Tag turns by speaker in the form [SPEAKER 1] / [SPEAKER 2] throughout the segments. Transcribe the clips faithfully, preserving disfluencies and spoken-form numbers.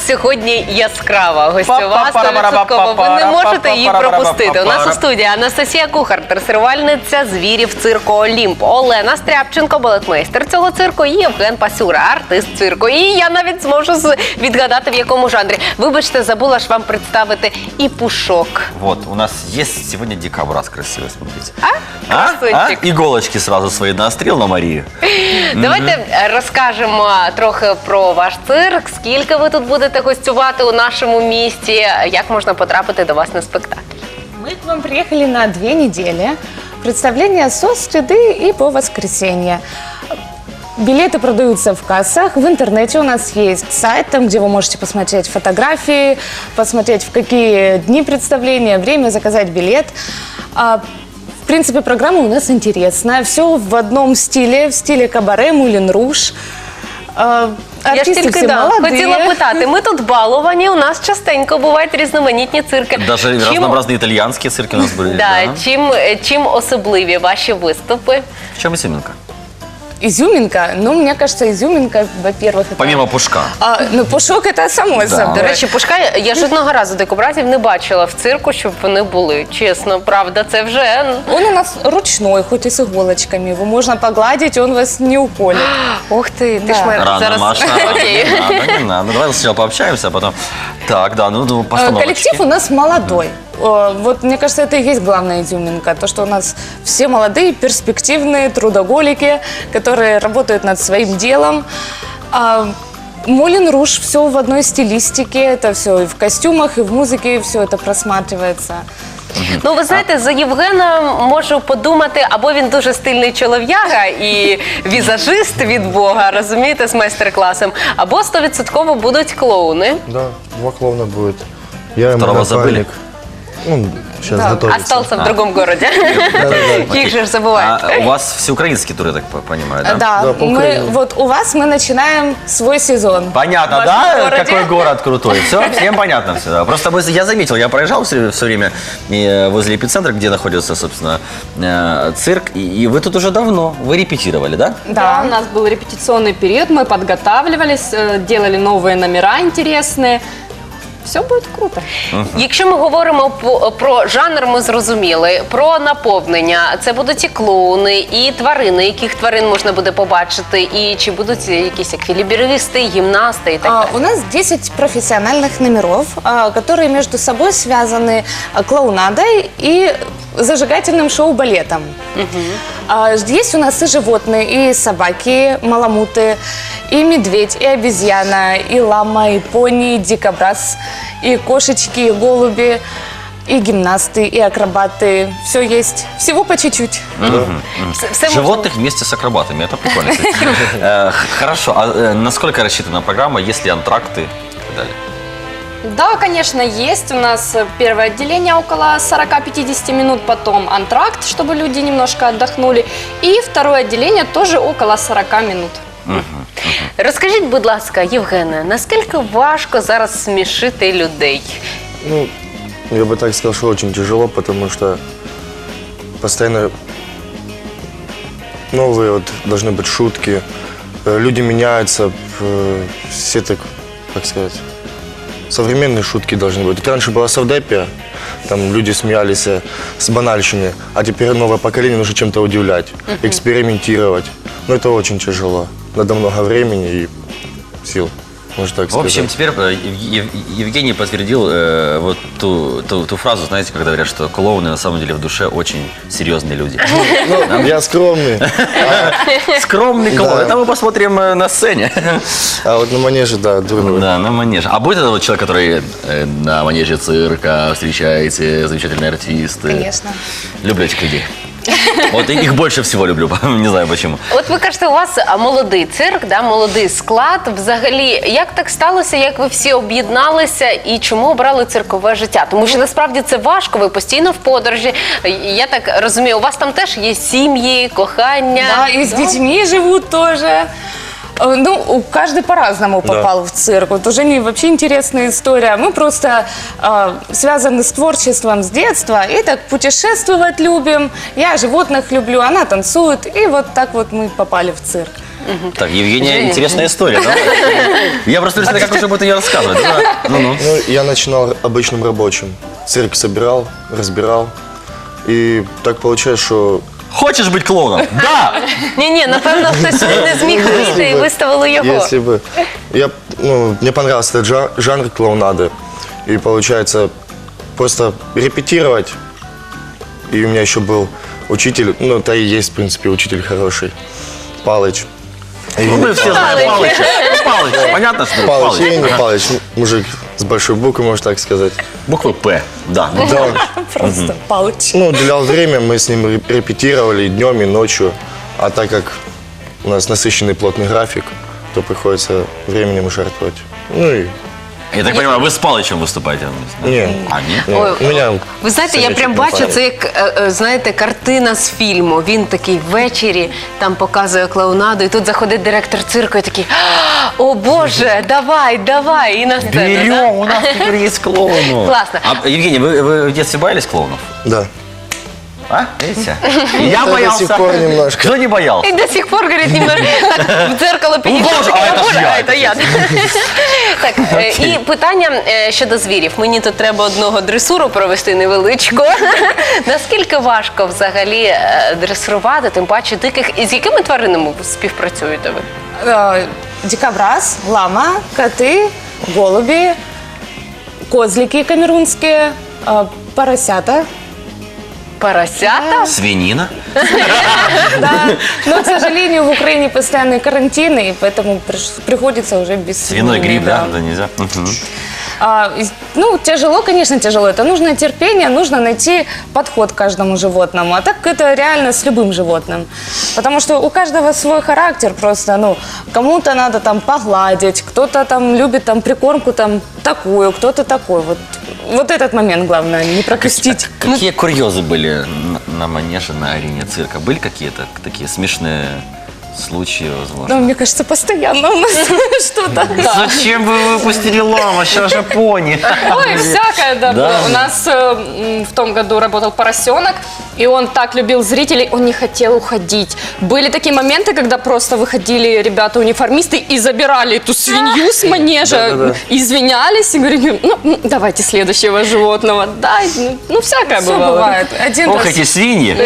[SPEAKER 1] сьогодні яскрава гостьова, сто відсотків. Ви не можете її пропустити. У нас у студії Анастасія Кухар, дресирувальниця звірів цирку «Олімп», Олена Стряпченко, балетмейстер цього цирку, і Євген Пасюра, артист цирку. І я навіть зможу відгадати, в якому жанрі. Вибачте, забула ж вам представити і Пушок.
[SPEAKER 2] Вот, у нас есть сегодня дикобраз красивый, смотрите.
[SPEAKER 1] А? Красунчик.
[SPEAKER 2] А? Иголочки сразу свои наострил на Марию.
[SPEAKER 1] Давайте розкажемо трохи про ваш цирк, скільки ви тут будете гостювати у нашому місті, як можна потрапити до вас на спектакль.
[SPEAKER 3] Мы к вам приехали на две недели. Представление со среды и по воскресенье. Билеты продаются в кассах. В интернете у нас есть сайт, там, где вы можете посмотреть фотографии, посмотреть, в какие дни представления, время, заказать билет. В принципе, программа у нас интересная. Все в одном стиле, в стиле кабаре, Мулен Руж.
[SPEAKER 1] Я ж тільки да, хотіла питати, ми тут баловані, у нас частенько бувають різноманітні цирки.
[SPEAKER 2] Даже чим... разнообразные итальянские цирки у нас были.
[SPEAKER 1] Да, да. Чим, чим особливі ваші виступи?
[SPEAKER 2] В чем изюминка?
[SPEAKER 3] Изюминка? Ну, мне кажется, изюминка, во-первых... Это...
[SPEAKER 2] Помимо Пушка.
[SPEAKER 3] А, ну, Пушок – это само
[SPEAKER 2] да.
[SPEAKER 3] собой.
[SPEAKER 1] До речі, Пушка я жодного разу дикобразів не бачила в цирку, щоб вони були. Чесно, правда, це вже...
[SPEAKER 3] Он у нас ручной, хоть и с иголочками. Его можно погладить, он вас не уколет.
[SPEAKER 1] Ух ты, ты
[SPEAKER 3] да.
[SPEAKER 1] ж моя...
[SPEAKER 2] Рано,
[SPEAKER 1] Зараз...
[SPEAKER 2] Маша,
[SPEAKER 1] Окей.
[SPEAKER 2] не надо, не надо. Давай сначала пообщаемся, а потом... Так, да, ну, постановочки.
[SPEAKER 3] Коллектив у нас молодой. Вот, мне кажется, это и есть главная изюминка. То, что у нас все молодые, перспективные, трудоголики, которые работают над своим делом. Мулен Руж, все в одной стилистике. Это все и в костюмах, и в музыке, все это просматривается.
[SPEAKER 1] Ну, ви знаєте, за Євгена можу подумати, або він дуже стильний чолов'яга і візажист від Бога, розумієте, з майстер-класом, або стовідсотково будуть клоуни.
[SPEAKER 4] Да, два клоуна будет. Я и
[SPEAKER 2] Второго забыли.
[SPEAKER 4] Ну, сейчас
[SPEAKER 3] Да.
[SPEAKER 4] готовится.
[SPEAKER 1] Остался в другом городе. Их же забывают.
[SPEAKER 2] А у вас всеукраинский тур, я так понимаю, да?
[SPEAKER 3] Да,
[SPEAKER 4] Да, по
[SPEAKER 3] мы,
[SPEAKER 4] Украине.
[SPEAKER 3] вот у вас мы начинаем свой сезон.
[SPEAKER 2] Понятно,
[SPEAKER 1] В
[SPEAKER 2] да?
[SPEAKER 1] вашем городе?
[SPEAKER 2] Какой город крутой. Все, всем понятно все. Да. Просто мы, я заметил, я проезжал все, все время э, возле эпицентра, где находится, собственно, э, цирк. И, и вы тут уже давно. Вы репетировали, да?
[SPEAKER 5] Да, у нас был репетиционный период, мы подготавливались, э, делали новые номера интересные. Все буде круто.
[SPEAKER 1] Якщо ми говоримо по- про жанр, ми зрозуміли, про наповнення, це будуть і клоуни, і тварини, яких тварин можна буде побачити, і чи будуть якісь еквілібристи, гімнасти і так
[SPEAKER 3] А,
[SPEAKER 1] далі.
[SPEAKER 3] У нас десять профессиональных номеров, а, которые между собой связаны а, клоунадой и зажигательным шоу-балетом. А, Есть у нас и животные, и собаки, маламуты, и медведь, и обезьяна, и лама, и пони, и дикобраз, и кошечки, и голуби, и гимнасты, и акробаты. Все есть. Всего по чуть-чуть.
[SPEAKER 1] Все- все можна.
[SPEAKER 2] Животных вместе с акробатами. Это прикольно. Э, Хорошо. А э, насколько рассчитана программа, есть ли антракты и так далее?
[SPEAKER 5] Да, конечно, есть. У нас э, первое отделение около сорок-пятьдесят минут, потом антракт, чтобы люди немножко отдохнули. И второе отделение тоже около сорок минут.
[SPEAKER 1] Розкажіть, будь ласка, Євгене, наскільки важко зараз смішити людей?
[SPEAKER 4] Ну, я бы так сказал, что очень тяжело, потому что постоянно новые вот должны быть шутки. Э, Люди меняются, э, все так, как сказать, современные шутки должны быть. Вот раньше была совдепия, там люди смеялись э, с банальщины, а теперь новое поколение нужно чем-то удивлять, экспериментировать. Но это очень тяжело. Надо много времени и сил, можно так
[SPEAKER 2] В
[SPEAKER 4] сказать.
[SPEAKER 2] общем, теперь э, Ев- Ев- Евгений подтвердил э, вот ту, ту, ту фразу, знаете, когда говорят, что клоуны на самом деле в душе очень серьезные люди.
[SPEAKER 4] Ну, я скромный.
[SPEAKER 2] Скромный клоун.
[SPEAKER 4] Да.
[SPEAKER 2] Это мы посмотрим э, на сцене.
[SPEAKER 4] А вот на манеже, да, другой.
[SPEAKER 2] Да, на манеже. А будет это вот человек, который э, на манеже цирка встречаете, замечательные артисты?
[SPEAKER 3] Конечно.
[SPEAKER 2] Люблю этих людей. Вот их больше всего люблю, не знаю почему.
[SPEAKER 1] От ви кажете, у вас а, молодий цирк, да, молодий склад. Взагалі, як так сталося, як ви всі об'єдналися і чому обрали циркове життя? Тому що насправді це важко, ви постійно в подорожі. Я так розумію, у вас там теж є сім'ї, кохання.
[SPEAKER 3] Да, и с детьми живут тоже. Э, Ну, у- каждый по-разному попал в цирк. Вот у Жени вообще интересная история. Мы просто э, связаны с творчеством с детства. И так путешествовать любим. Я животных люблю, она танцует. И вот так вот мы попали в цирк.
[SPEAKER 2] Так, Евгения,
[SPEAKER 1] Женя.
[SPEAKER 2] интересная история. Давай. Я просто представляю, как уже будет ее рассказывать. Да. Ну-ну.
[SPEAKER 4] Ну, я начинал обычным рабочим. Цирк собирал, разбирал. И так получается, что
[SPEAKER 2] Хочешь быть клоуном? Да!
[SPEAKER 1] Ні-ні, напевно, хтось не зміг вийти і виставили його.
[SPEAKER 4] если бы... Я, ну, мне понравился этот жа- жанр клоунады. И получается, просто репетировать. И у меня еще был учитель, ну, это и есть, в принципе, учитель хороший, Палыч. И
[SPEAKER 2] Ну, мы все знаем
[SPEAKER 1] Палыч.
[SPEAKER 2] Палыча. Ну, Палыч, понятно, что
[SPEAKER 4] Палыч,
[SPEAKER 2] Палыч.
[SPEAKER 4] Евгений Палыч, мужик с большой буквы, можно так сказать.
[SPEAKER 2] Буквы П, да.
[SPEAKER 4] Да,
[SPEAKER 3] Просто Палыч.
[SPEAKER 4] ну, уделял время, мы с ним ре- репетировали и днем, и ночью. А так как у нас насыщенный плотный график, то приходится временем жертвовать. Ну и...
[SPEAKER 2] Я так понимаю, вы с Палычем выступаете вместе? да?
[SPEAKER 4] Не,
[SPEAKER 2] А, нет?
[SPEAKER 4] не,
[SPEAKER 1] Ой,
[SPEAKER 4] у меня...
[SPEAKER 1] Ви знаєте, я
[SPEAKER 4] совечек
[SPEAKER 1] прям
[SPEAKER 4] не
[SPEAKER 1] бачу,
[SPEAKER 4] память.
[SPEAKER 1] це як, е, е, знаєте, картина з фільму. Він такий ввечері там показує клоунаду, і тут заходить директор цирку і такий: «О Боже, давай, давай!» І на сцену.
[SPEAKER 2] Берем,
[SPEAKER 1] да?
[SPEAKER 2] у нас теперь есть клоуны.
[SPEAKER 1] Классно.
[SPEAKER 2] А, Евгений, вы, вы в детстве боялись клоунов?
[SPEAKER 4] Да.
[SPEAKER 2] А? Видите? Я
[SPEAKER 4] До
[SPEAKER 2] боялся.
[SPEAKER 4] сих пор немножко.
[SPEAKER 2] Кто не боялся?
[SPEAKER 1] І до сих пор, говорить, ніби так в дзеркало підійшов.
[SPEAKER 2] Боже,
[SPEAKER 1] такий,
[SPEAKER 2] а
[SPEAKER 1] «О,
[SPEAKER 2] це ж
[SPEAKER 1] Боже,
[SPEAKER 2] я,
[SPEAKER 1] а це я. Так, е, і питання е, щодо звірів. Мені тут треба одного дресуру провести невеличку. Наскільки важко взагалі е, дресирувати, тим паче диких, і з якими тваринами ви співпрацюєте ви?
[SPEAKER 3] Э, Дикобраз, лама, коты, голуби, козлики камерунские, э, поросята.
[SPEAKER 1] Поросята?
[SPEAKER 2] Свинина?
[SPEAKER 3] Да, но, к сожалению, в Украине постоянные карантины, и поэтому приш- приходится уже без
[SPEAKER 2] Свиной
[SPEAKER 3] свинины,
[SPEAKER 2] гриб, да? Это нельзя? Мгм.
[SPEAKER 3] А, из- ну, тяжело, конечно, тяжело. Это нужно терпение, нужно найти подход к каждому животному. А так это реально с любым животным. Потому что у каждого свой характер просто, ну, кому-то надо там погладить, кто-то там любит там прикормку там такую, кто-то такой. Вот, вот этот момент главное, не пропустить.
[SPEAKER 2] Какие курьезы были на, на манеже, на арене цирка? Были какие-то такие смешные случаи, возможно?
[SPEAKER 3] Ну, мне кажется, постоянно у нас что-то.
[SPEAKER 2] Зачем вы выпустили ламу? Сейчас же пони.
[SPEAKER 5] Ой, всякое, да,
[SPEAKER 2] Да.
[SPEAKER 5] было. У нас э, м, в том году работал поросенок, и он так любил зрителей, он не хотел уходить. Были такие моменты, когда просто выходили ребята-униформисты и забирали эту свинью с манежа, извинялись и говорили: ну, м, давайте следующего животного. Да, ну, ну, всякое
[SPEAKER 3] Все
[SPEAKER 5] бывало.
[SPEAKER 3] бывает. Один
[SPEAKER 2] Ох,
[SPEAKER 3] раз
[SPEAKER 2] эти свиньи.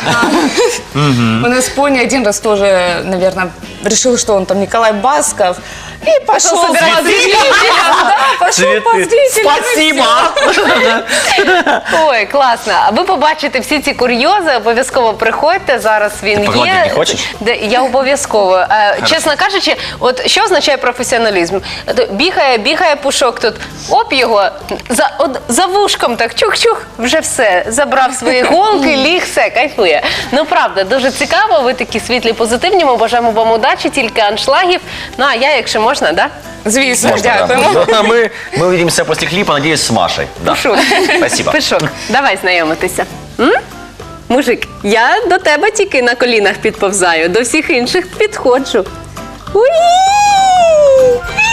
[SPEAKER 3] у нас пони один раз тоже, наверное, решил, что он там Николай Басков. И пошел
[SPEAKER 1] собирать
[SPEAKER 3] по зрителям. Да, пошел по
[SPEAKER 2] Цветы.
[SPEAKER 3] зрителям. и
[SPEAKER 2] Спасибо!
[SPEAKER 1] Ой, класно. А ви побачите всі ці курйози, обов'язково приходьте. Зараз він
[SPEAKER 2] Ти погладити
[SPEAKER 1] є.
[SPEAKER 2] не хочеш?
[SPEAKER 1] Де, я обов'язково. Е, чесно кажучи, от що означає професіоналізм? От бігає, бігає пушок тут, оп його, за, от, за вушком так чух-чух, вже все, забрав свої голки, ліг, все, кайфує. Ну, правда, дуже цікаво, ви такі світлі, позитивні, ми бажаємо вам удачі, тільки аншлагів. Ну, а я, якщо можна, да?
[SPEAKER 3] Звісно,
[SPEAKER 2] Можно, да.
[SPEAKER 3] дякуємо.
[SPEAKER 2] Мы, мы увидимся после клипа, надеюсь, с Машей. Да.
[SPEAKER 1] Пушок.
[SPEAKER 2] Спасибо.
[SPEAKER 1] Пишок, давай знайомитися. М? Мужик, я до тебе тільки на колінах підповзаю, до всіх інших підходжу. Уї!